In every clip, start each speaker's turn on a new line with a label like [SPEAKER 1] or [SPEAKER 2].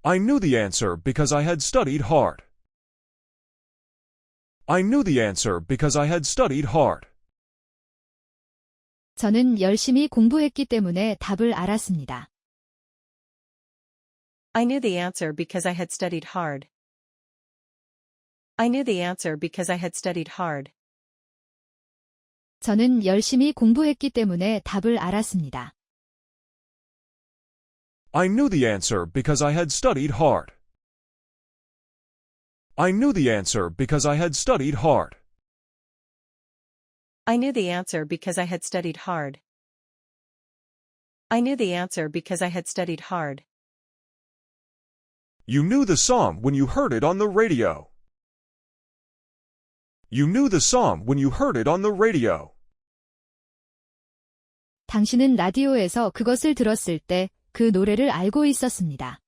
[SPEAKER 1] I knew the answer because I had studied hard. I knew the answer because I had studied hard.
[SPEAKER 2] 저는 열심히 공부했기 때문에 답을 알았습니다.
[SPEAKER 3] I knew the answer because I had studied hard. I knew the answer because I had studied hard.
[SPEAKER 2] 저는 열심히 공부했기 때문에 답을 알았습니다.
[SPEAKER 1] I knew the answer because I had studied hard. I knew the answer because I had studied hard.
[SPEAKER 3] I knew the answer because I had studied hard. I knew the answer because I had studied hard.
[SPEAKER 1] You knew the song when you heard it on the radio. You knew the song when you heard it on the radio.
[SPEAKER 2] 당신은 라디오에서 그것을 들었을 때 그 노래를 알고 있었습니다.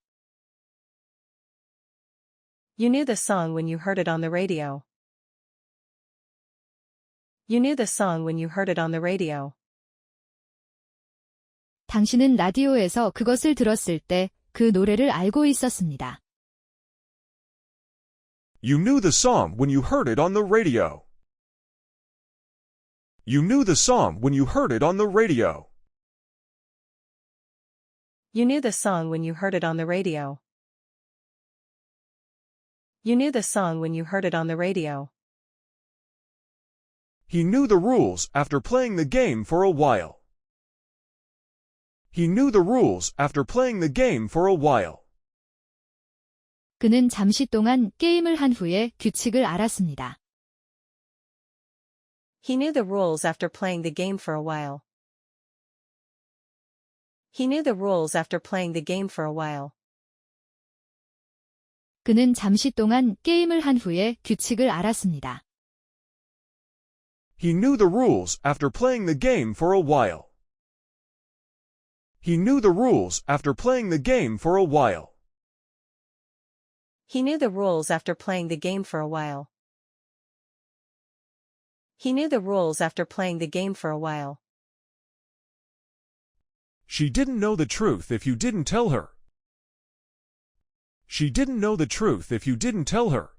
[SPEAKER 3] You knew the song when you heard it on the radio. You knew the song when you heard it on the radio.
[SPEAKER 2] 당신은 라디오에서 그것을 들었을 때 그 노래를 알고 있었습니다.
[SPEAKER 1] You knew the song when you heard it on the radio. You knew the song when you heard it on the radio.
[SPEAKER 3] You knew the song when you heard it on the radio. You knew the song when you heard it on the radio.
[SPEAKER 1] He knew the rules after playing the game for a while. He knew the rules after playing the game for a while.
[SPEAKER 2] 그는 잠시 동안 게임을 한 후에 규칙을 알았습니다.
[SPEAKER 3] He knew the rules after playing the game for a while. He knew the rules after playing the game for a while.
[SPEAKER 2] 그는 잠시 동안 게임을 한 후에 규칙을 알았습니다.
[SPEAKER 1] He knew the rules after playing the game for a while. He knew the rules after playing the game for a while.
[SPEAKER 3] He knew the rules after playing the game for a while. He knew the rules after playing the game for a while.
[SPEAKER 1] She didn't know the truth if you didn't tell her. She didn't know the truth if you didn't tell her.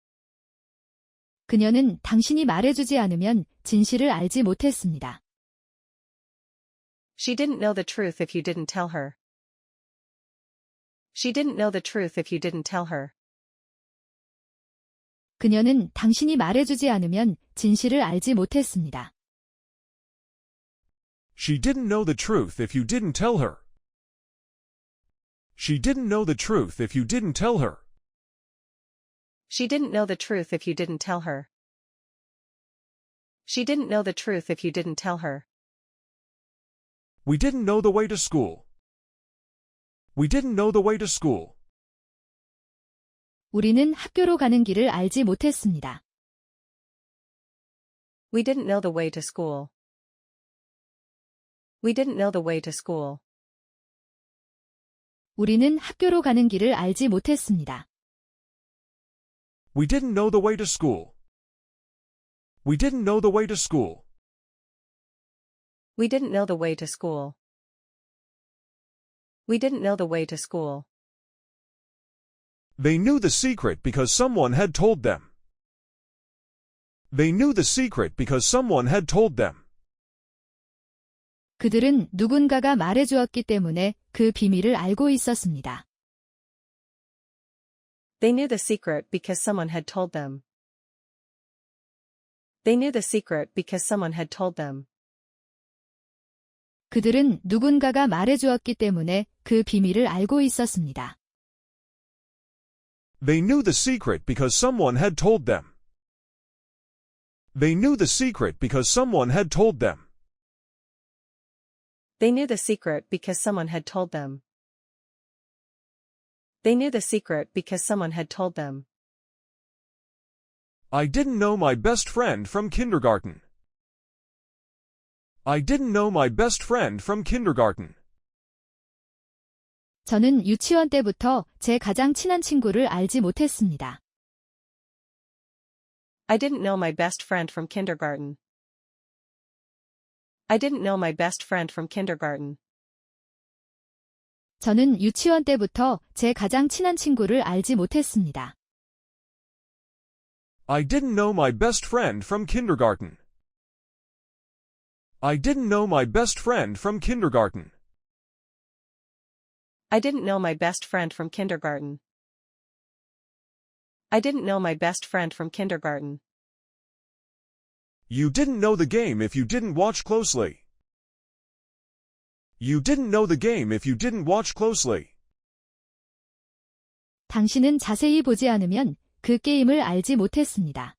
[SPEAKER 2] 그녀는 당신이 말해주지 않으면 진실을 알지 못했습니다.
[SPEAKER 3] She didn't know the truth if you didn't tell her. She didn't know the truth if you didn't tell her.
[SPEAKER 2] 그녀는 당신이 말해주지 않으면 진실을 알지 못했습니다.
[SPEAKER 1] She didn't know the truth if you didn't tell her. She didn't know the truth if you didn't tell her.
[SPEAKER 3] She didn't know the truth if you didn't tell her. She didn't know the truth if you didn't tell her.
[SPEAKER 1] We didn't know the way to school. We didn't know the way to school.
[SPEAKER 2] 우리는 학교로 가는 길을 알지 못했습니다.
[SPEAKER 3] We didn't know the way to school. We didn't know the way to school.
[SPEAKER 2] 우리는 학교로 가는 길을 알지 못했습니다.
[SPEAKER 1] We didn't know the way to school. We didn't know the way to school.
[SPEAKER 3] We didn't know the way to school. We didn't know the way to school.
[SPEAKER 1] They knew the secret because someone had told them. They knew the secret because someone had told them.
[SPEAKER 2] 그들은 누군가가 말해주었기 때문에 그 비밀을 알고 있었습니다.
[SPEAKER 3] They knew the secret because someone had told them. They knew the secret because someone had told them.
[SPEAKER 2] 그들은 누군가가 말해주었기 때문에 그 비밀을 알고 있었습니다.
[SPEAKER 1] They knew the secret because someone had told them. They knew the secret because someone had told them.
[SPEAKER 3] They knew the secret because someone had told them. They knew the secret because someone had told them.
[SPEAKER 1] I didn't know my best friend from kindergarten. I didn't know my best friend from kindergarten.
[SPEAKER 2] 저는 유치원 때부터 제 가장 친한 친구를 알지 못했습니다.
[SPEAKER 3] I didn't know my best friend from kindergarten. I didn't know my best friend from kindergarten.
[SPEAKER 2] 저는 유치원 때부터 제 가장 친한 친구를 알지 못했습니다.
[SPEAKER 1] I didn't know my best friend from kindergarten. I didn't know my best friend from kindergarten.
[SPEAKER 3] I didn't know my best friend from kindergarten. I didn't know my best friend from kindergarten.
[SPEAKER 1] You didn't know the game if you didn't watch closely. You didn't know the game if you didn't watch closely.
[SPEAKER 2] 당신은 자세히 보지 않으면 그 게임을 알지 못했습니다.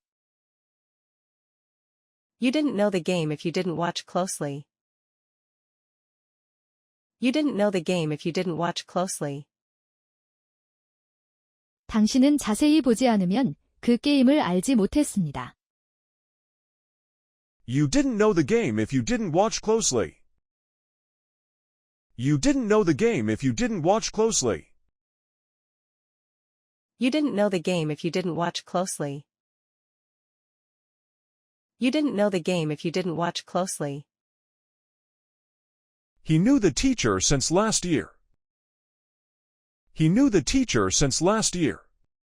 [SPEAKER 3] You didn't know the game if you didn't watch closely. You didn't know the game if you didn't watch closely.
[SPEAKER 2] 당신은 자세히 보지 않으면 그 게임을 알지 못했습니다.
[SPEAKER 1] You didn't know the game if you didn't watch closely. You didn't know the game if you didn't watch closely.
[SPEAKER 3] You didn't know the game if you didn't watch closely. You didn't know the game if you didn't watch closely.
[SPEAKER 1] He knew the teacher since last year. He knew the teacher since last year.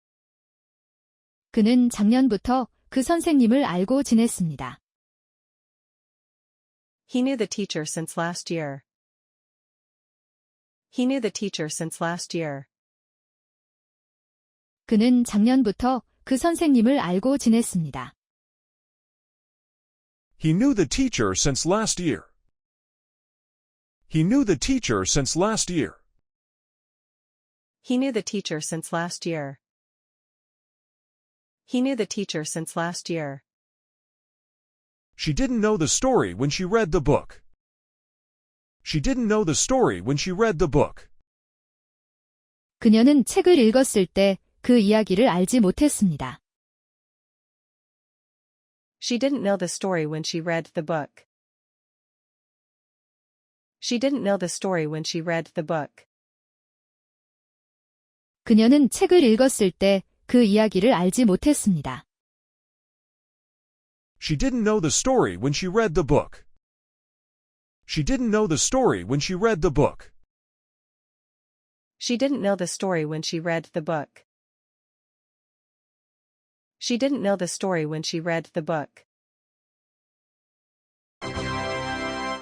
[SPEAKER 2] 그는 작년부터 그 선생님을 알고 지냈습니다.
[SPEAKER 3] He knew the teacher since last year. He knew the teacher since last year.
[SPEAKER 2] 그는 작년부터 그 선생님을 알고 지냈습니다.
[SPEAKER 1] He knew the teacher since last year. He knew the teacher since last year.
[SPEAKER 3] He knew the teacher since last year. He knew the teacher since last year.
[SPEAKER 1] She didn't know the story when she read the book. She didn't know the story when she read the book.
[SPEAKER 2] 그녀는 책을 읽었을 때 그 이야기를 알지 못했습니다.
[SPEAKER 3] She didn't know the story when she read the book. She didn't know the story when she read the book.
[SPEAKER 2] 그녀는 책을 읽었을 때 그 이야기를 알지 못했습니다.
[SPEAKER 1] She didn't know the story when she read the book. She didn't know the story when she read the book.
[SPEAKER 3] She didn't know the story when she read the book. She didn't know the story when she read the book.